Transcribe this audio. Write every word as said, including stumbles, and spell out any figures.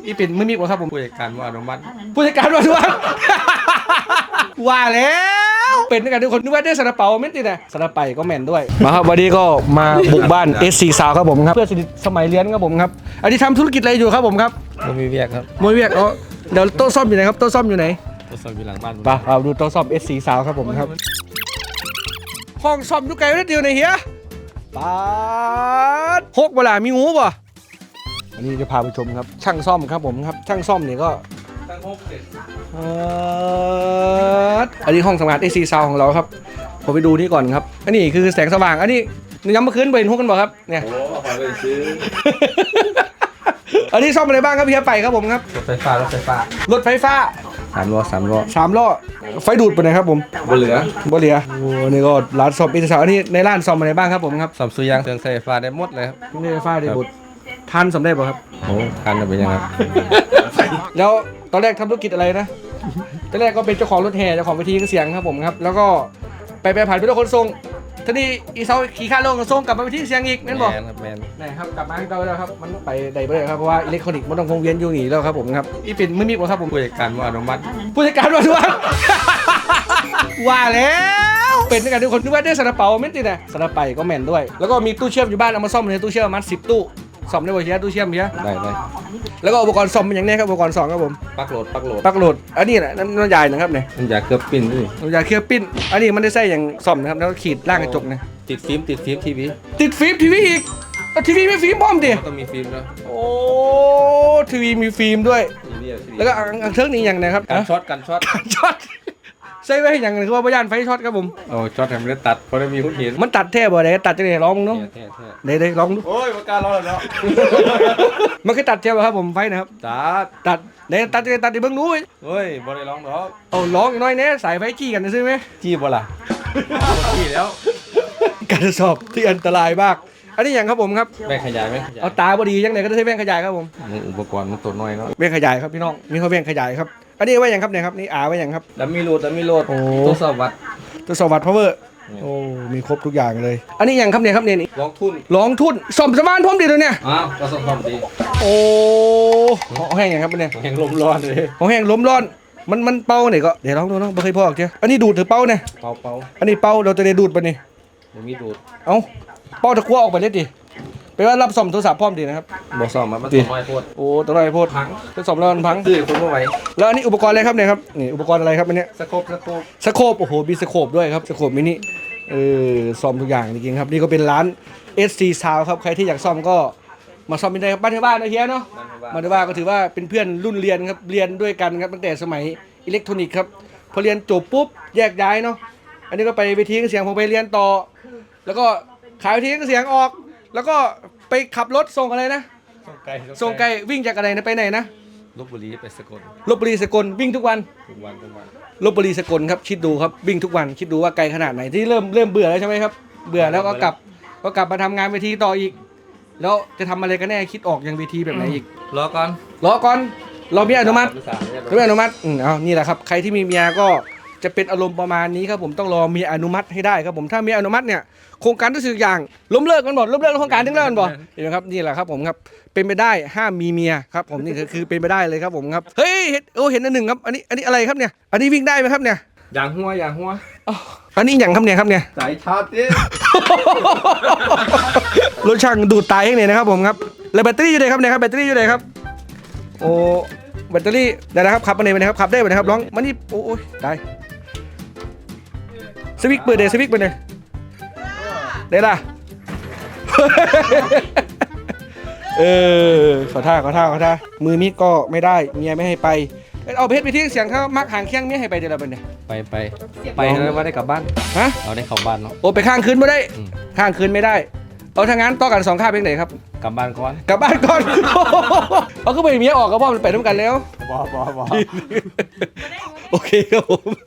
อีเป็นไม่มีกว่าครับผมผู้จัดการว่าอนุมัติผู้จัดการว่าด้วยว่าแล้วเป็นด้วยกันทุกคนนึกว่าได้ซาลาเปาไม่ติดนะซาลาไปก็แม่นด้วยมาครับวันนี้ก็มาบุกบ้าน เอส ซี สาวครับผมครับเพื่อนสนิทสมัยเรียนครับผมครับอันนี้ทำธุรกิจอะไรอยู่ครับผมครับมันมีเวียกครับมวยเวียกอ๋อเดี๋ยวโต๊ะซ่อมอยู่ไหนครับโต๊ะซ่อมอยู่ไหนตัวสอบอยู่หลังบ้านไปเอาดูโต๊ะซ่อม เอส ซี สาวครับผมครับห้องซ่อมยุกไก่ไม่ได้เดียวในเฮียปาดหกเวลามีงูป่ะอันนี้จะพาไปชมครับช่างซ่อมครับผมครับช่างซ่อมเนี่ยก็ตั้งหกเสร็จเอ่ออันนี้ห้องทำงาน เอส ซี Sound ของเราครับผมไปดูนี่ก่อนครับอันนี้คือแสงสว่างอันนี้ย้ำเมื่อคืนไปเห็นพวกกันบอกครับเนี่ยโอ้ขอไปซื้ออันนี้ซ่อมอะไรบ้างครับพี่ไปครับผมครับรถไฟฟ้ารถไฟฟ้ารถไฟฟ้าสามล้อสามล้อสามล้อไฟดูดไปไหนครับผมบนเหลือบ่เหลียโอ้นี่ก็ร้านซ่อม เอส ซี Sound อันนี้ในร้านซ่อมอะไรบ้างครับผมครับสามสุยางเครื่องใช้ไฟฟ้าได้หมดเลยครับนี่ไฟฟ้าได้บุดพันสำเร็จป่ะครับโอ้การจะเป็นยังไงแล้วตอนแรกทำธุรกิจอะไรนะตอนแรกก็เป็นเจ้าของรถแห่เจ้าของเวทีเสียงครับผมครับแล้วก็ไปไปผ่านเป็นรถขนส่งทีนี้อีเซาขี่ข้าลงขนส่งกลับมาเวทีเสียงอีกนั่นบอกแมนครับแมนไหนครับกลับมาให้เราแล้วครับมันไปใดไปเลยครับเพราะว่าอิเล็กทรอนิกส์มันต้องวงเวียนอยู่หนีแล้วครับผมครับอีเป็นไม่มีกว่าครับผมผู้จัดการว่าอนุมัติผู้จัดการว่าด้วยว่าแล้วเป็นด้วยกันทุกคนนึกว่าได้ซาลาเปาไม่ติดนะซาลาไปก็แม่นด้วยแล้วก็มีตู้เชื่อมอยู่บ้านเอามาซ่อมในตู้เชื่อมมัดสิบตู้ซ่อมได้บ่เชียตู้เชื่อมเชียได้ได้แล้วก็อุปกรณ์ซ่อมเป็นอย่างนี้ครับอุปกรณ์ซ่อมครับผมปักโหลดปักโหลดปลั๊กโหลดอันนี้แหละน้ำน้ำยายนะครับเนี่ยมันอยากเกือบปิ้นด้วยน้ำยาเคลือบปิ้นอันนี้มันได้ใส่อย่างซ่อมนะครับแล้วก็ขีดล่างกระจกนะติดฟิล์มติดฟิล์มทีวีติดฟิล์มทีวีอีกแล้วทีวีไม่ฟิล์มพร้อมดิมันต้องมีฟิล์มด้วยโอ้ทีวีมีฟิล์มด้วยทีวีทีวีแล้วก็อังอังเทิงนี่อย่างนะครับกันช็อตกันช็อตช็อตใส่ไว้ให้อย่างหนึงคือว่าพยานไฟช็อตครับผมโอ้ช็อตทำไม่ได้ตัดเพราะได้มีคนเห็นมันตัดแท้บ่ได้ตัดจะได้ร้องมึงเนาะแท้แท้ได้ได้ร้องดูโอ้ยมันการร้อนแล้วมันคือตัดแท้บ่ครับผมไฟนะครับตัดตัดได้ตัดจะได้ตัดได้เบิ่งรู้เฮ้ยบ่ได้ร้องหรอกเอาร้องอีกหน้อยแน่สายไฟจี้กันใช่ไหมจี้บ่ล่ะจี้แล้วการสอบที่อันตรายมากอันนี้อย่างครับผมครับแบ่งขยายไหมขยายเอาตาบ่ดีจังไหนก็ได้ใช้แว่นขยายครับผมอุปกรณ์มันตัวน้อยเนาะแว่นขยายครับพี่น้องมีเขาแว่นขยายครับอันนี้ไว้อย่างครับเนี่ยครับนี่อาไว้อย่างครับแล้วมีโหลดแล้วมีโหลดโอ้ทดสอบวัดตัวสวัสดิ์พาวเวอร์โอ้มีครบทุกอย่างเลย อันนี้อย่างครับเนี่ยครับเนี่ยนี่ลองทุนลองทุนสมสมานพร้อมดีเลยเนี่ยอ้าวประสบความดีโอ้ห้องแห้งอย่างครับเนี่ยแห่งลมร้อนเลยห้องแห้งล้มร้อนมันมันเป่าเนี่ยก็เดี๋ยวลองดูเนาะไม่เคยพอกเจ้าอันนี้ดูดหรือเป่าเนี่ยเป่าเป่าอันนี้เป่าเราจะได้ดูดปะนี่บ่มีดูดเอ้าเป่าตะกั่วออกไปเลยดิแปลว่ารับสมโทรศัพท์พร้อมดีนะครับบ่ซ่อมมันมันตัวน้อยโพดโอ้ตัวไรโพดพังเป็นสมแล้วมันพังซื้อคนบ่ไหวแล้วอันนี้อุปกรณ์อะไรครับเนี่ยครับนี่อุปกรณ์อะไรครับอันเนี้ยสโคปสโคปสโคปโอ้โหมีสโคปด้วยครับสโคปมินิเออซ่อมทุกอย่างจริงๆครับนี่ก็เป็นร้าน เอส ซี Sound ครับใครที่อยากซ่อมก็มาซ่อมได้ครับบ้านที่บ้านนะเฮียเนาะ มาด้วยว่าก็ถือว่าเป็นเพื่อนรุ่นเรียนครับเรียนด้วยกันครับตั้งแต่สมัยอิเล็กทรอนิกส์ครับพอเรียนจบปุ๊บแยกย้ายเนาะอันนี้ก็ไปเวทีเครื่องเสียงผมไปเรียนต่อ แล้วก็ขายเวทีเครื่องเสียงออก แล้วก็ไปขับรถส่งอะไรนะส่งไกลส่งไกลวิ่งจากอะไรนะไปไหนนะลพบุรีไปสกลลบบุรีสกลวิ่งทุกวันทุกวันทุกวันลบบุรีสกลครับคิดดูครับวิ่งทุกวันคิดดูว่าไกลขนาดไหนที่เริ่มเริ่มเบื่อแล้วใช่ไหมครับเบื่อแล้วก็กลับก็กลับมาทำงานเวทีต่ออีก แล้วจะทำอะไรกันแน่คิดออกอย่างเวทีแบบไหนอีกรอก่อนรอก่อนเรามีอนุมัติสามเนี่ยไม่อนุมัติอืมเอานี่แหละครับ ใครที่มีเมียก็จะเป็นอารมณ์ประมาณนี้ครับผมต้องรอเมียอนุมัติให้ได้ครับผม ถ้าเมียอนุมัติเนี่ย โครงการทุกสิ่งอย่างล้มเลิกกันหมดล้มเลิกโครงการทั้งเลิกกันหมดเห็นไหมครับ นี่แหละครับผมครับ เป็นไปได้ห้ามมีเมียครับผมนี่คือคือเป็นไปได้เลยครับผมครับ เฮ้ยเห็นโอ้เห็นอันหนึ่งครับ อันนี้ อันนี้อะไรครับเนี่ย อันนี้วิ่งได้ไหมครับเนี่ยอย่างหัวอย่างหัวอ๋ออันนี้อย่างครับเนี่ยครับเนี่ยสายชาร์จดิรถช่างดูดตายให้เนี่ยนะครับผมครับ แล้วแบตเตอรี่อยู่ไหนครับเนี่ยครับ แบตเตอรี่อยู่ไหนครับ โอ้ แบตเตอรี่ได้แล้วครับขับมาไหนไปนะครับขับได้ไหมนะครับร้องมานี่โอ้ยได้สวิกเปิดเดสวิกเปิดเลยได้ละ เออขอท่าขอท่าขอท่ามือมีดก็ไม่ได้เมียไม่ให้ไปเอาเพชรไปที่เสียงเขามักห่างเคียงเมียให้ไปเดี๋ยวเราเป็นเนี่ยไปไปไปแล้วว่าได้กลับบ้านฮะเราได้เข้าบ้านเนาะโอ้ไปข้างคืนไม่ได้อืมข้างคืนไม่ได้เอาทางงั้นต่อกันสองข้าเป็นไหนครับกลับบ้านก่อนกลับบ้านก่อน เอาก็ไปเมียออกก็พ่อมันไปด้วยกันแล้วบ่บ่บ่โอเคครับผม